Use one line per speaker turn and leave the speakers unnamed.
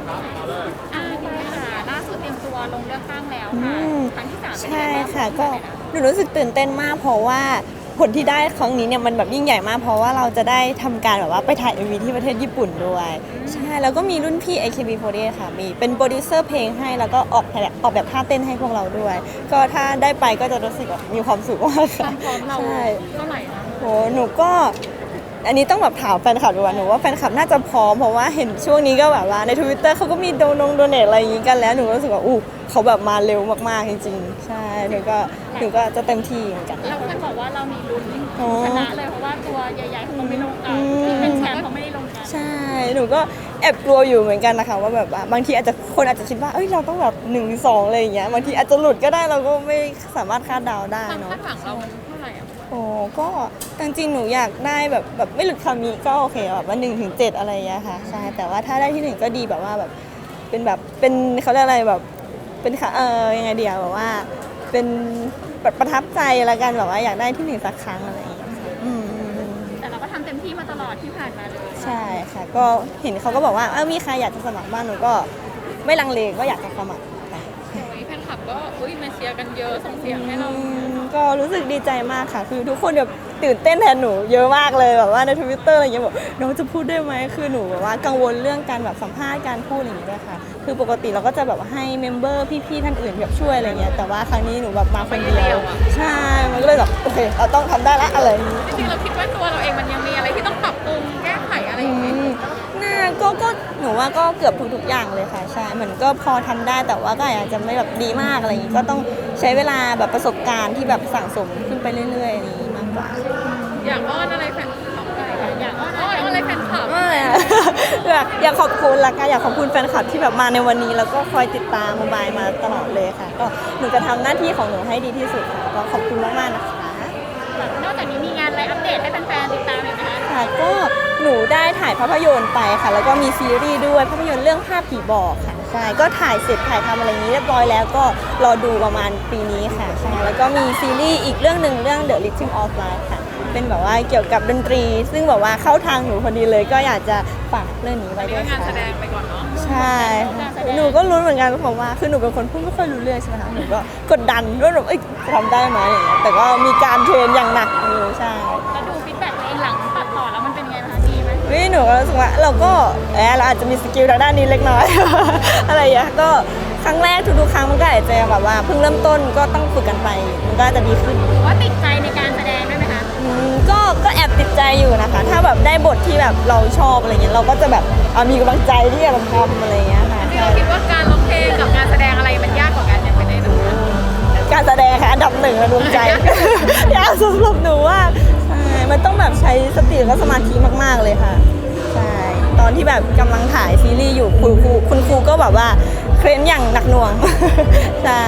ดีค่ะล่าสุดเตรียมตัวลงเลือกตั้งแล้วค่ะครั้งที่3เป็นยัง
ใช่
ไงบ้าง
ค่ะก็หนูรู้สึกตื่นเต้นมากเพราะว่าผลที่ได้ครั้งนี้เนี่ยมันแบบยิ่งใหญ่มากเพราะว่าเราจะได้ทำการแบบว่าไปถ่าย MV ที่ประเทศญี่ปุ่นด้วยใช่แล้วก็มีรุ่นพี่ AKB48 ค่ะมีเป็นโปรดิวเซอร์เพลงให้แล้วก็ออกแบบท่าเต้นให้พวกเราด้วย ก็ถ้าได้ไปก็จะรู้สึกแบบมีความสุขมาก
ควา
ค่ะ
มพร้อมเรา
ใช่
เท่าไหร่นะ
โหหนูก็อันนี้ต้องแบบถามแฟนคลับดีกว่าหนูว่าแฟนคลับน่าจะพร้อมเพราะว่าเห็นช่วงนี้ก็แบบว่าใน Twitter เขาก็มีโดเนทอะไรอย่างงี้กันแล้วหนูก็รู้สึกว่าอู้เขาแบบมาเร็วมากๆจริงๆใช่หนูก็จะเต็มที่เหมือนกัน
เราเคยบอกว่าเรามีลุ้น
อ๋อ
ชนะเลยเพราะว่าตัวใหญ่ๆเขาไม่ลงกันที่เป็นแชมป์เขาไม่ได้ลงกัน
ใช่หนูก็แอบกลัวอยู่เหมือนกันนะคะว่าแบบว่าบางทีคนอาจจะคิดว่าเอ้ยเราต้องแบบ1-2อะไรอย่างเงี้ยบางทีอาจจะหลุดก็ได้เราก็ไม่สามารถคาดเดาได้
ความ
เนาะ
คาดหวังเรามันเท่าไหร่อ่ะ
โอ้ก็จริงๆหนูอยากได้แบบไม่หลุดคำนี้ก็โอเคแบบว่า1-7อะไรอย่างเงี้ยค่ะใช่แต่ว่าถ้าได้ที่1ก็ดีแบบว่าแบบเป็นเขาเรียกอะไรแบบเป็นค่ะยังไงเดียวแบบว่าเป็นประทับใจละกันแบบว่าอยากได้ที่1สักครั้งอะไรอย่างเงี้ยค่ะ
แต่เราก็ทำเต็มที่มาตลอดที่ผ่านมาเลย
ใช่ค่ะก็เห็นเขาก็บอกว่ามีใครอยากจะสมัครบ้างหนูก็ไม่ลังเลก็อยากจะสมัครค่ะ
แฟนคลับก็มาเชียร์กันเยอะส่งเสียงให้เรา
ก็รู้สึกดีใจมากค่ะ คือทุกคนแบบตื่นเต้นแทนหนูเยอะมากเลยแบบว่าใน Twitter อะไรเงี้ยบอกน้องจะพูดได้ไหมคือหนูแบบว่ากังวลเรื่องการแบบสัมภาษณ์การพูดอะไรอย่างเงี้ยด้วยค่ะคือปกติเราก็จะแบบให้เมมเบอร์พี่ๆท่านอื่นแบบช่วยอะไรเงี้ยแต่ว่าครั้งนี้หนูแบบมาคนเดียวใช่มันก็เลยแบบโอเคเราต้องทำได้ละอะไรอย่างงี้
จริงๆเราคิดว่าตัวเราเองมันยังมีอะไรที่ต้องปรับปรุงแก้ไขอะไรอย่างเงี้ย
น่าก็หนูว่าก็เกือบทุกๆอย่างเลยค่ะใช่เหมือนก็พอทำได้แต่ว่าก็อาจจะไม่แบบดีมากอะไรอย่างงี้ก็ต้องใช้เวลาแบบประสบการณ์ที่แบบสั่งสมขึ้นไปเรื่อยๆอย่างนี้มากกว่า
อยากอ้อนอะไรแฟนคลับอยากอ้อนอะไรแฟนคลับ
ไม่อะ อยากขอบคุณละกันอยากขอบคุณแฟนคลับที่แบบมาในวันนี้แล้วก็คอยติดตามโมบายมาตลอดเลยค่ะก็หนูจะทำหน้าที่ของหนูให้ดีที่สุดค่ะก็ขอบคุณมากๆนะคะ
นอกจากนี้มีงานอะไรอัปเดตให้แฟนๆติดตามอีกไหมคะ
ค่ะก็หนูได้ถ่ายภาพยนตร์ไปค่ะ แล้วก็มีซีรีส์ด้วยภาพยนตร์เรื่องภาพผีบอกค่ะใช่ก็ถ่ายเสร็จถ่ายทำอะไรอย่างนี้เรียบร้อยแล้วก็รอดูประมาณปีนี้ค่ะใช่แล้วก็มีซีรีส์อีกเรื่องหนึ่งเรื่อง The Rhythm of Life ค่ะเป็นแบบว่าเกี่ยวกับดนตรี ซึ่งแบบว่าเข้าทางหนูพอดีเลยก็อยากจะฝากเรื่องนี้ไว้ด้วย
งาน
ค่ะ
แสดงไปก่อนเนาะ
ใช่ค่ะหนูก็รู้เหมือนกันเพราะว่าคือหนูเป็นคนพูดไม่ค่อยรู้เรื่องใช่ไหมคะหนูก็กดดันว่าแบบจะทำได้ไหมอย่างเงี้ยแต่ก็มีการเทรนอย่างหนักอยู่ใช่
แล้วดูฟีดแบ็กตัวเองหลังตัดต่อแล้วมันเป็นไงบ้างคะดีไหม
หนูก็รู้สึกว่าเราก็เราอาจจะมีสกิลทางด้านนี้เล็กน้อย อะไรอย่างเงี้ยก็ครั้งแรกทุกๆครั้งมันก็อาจจะแบบว่าเพิ่งเริ่มต้นก็ต้องฝึกกันไปมันก็จะดีขึ้น
ว่าติดใจในการแสดงด้วยไหมคะ
ก็แอบติดใจอยู่นะคะ ถ้าแบบได้บทที่แบบเราชอบอะไรเงี้ยเราก็จะแบบมีกำลังใจที่จะทำอะไรเงี้ยค่ะ
ที่เราคิดว่าการร้องเพลงกับงานแสดงอะไรมันยากกว่ากันยังเป็นไงบ้างคะ
การแสดงค่ะอันดับ1ในดวงใจ ยากสำหรับหนูว่าใช่มันต้องแบบใช้สติและสมาธิมากๆเลยค่ะใช่ตอนที่แบบกำลังถ่ายซีรีส์อยู่คุณครูก็แบบว่าเคร้นอย่างหนักหน่วง ใช่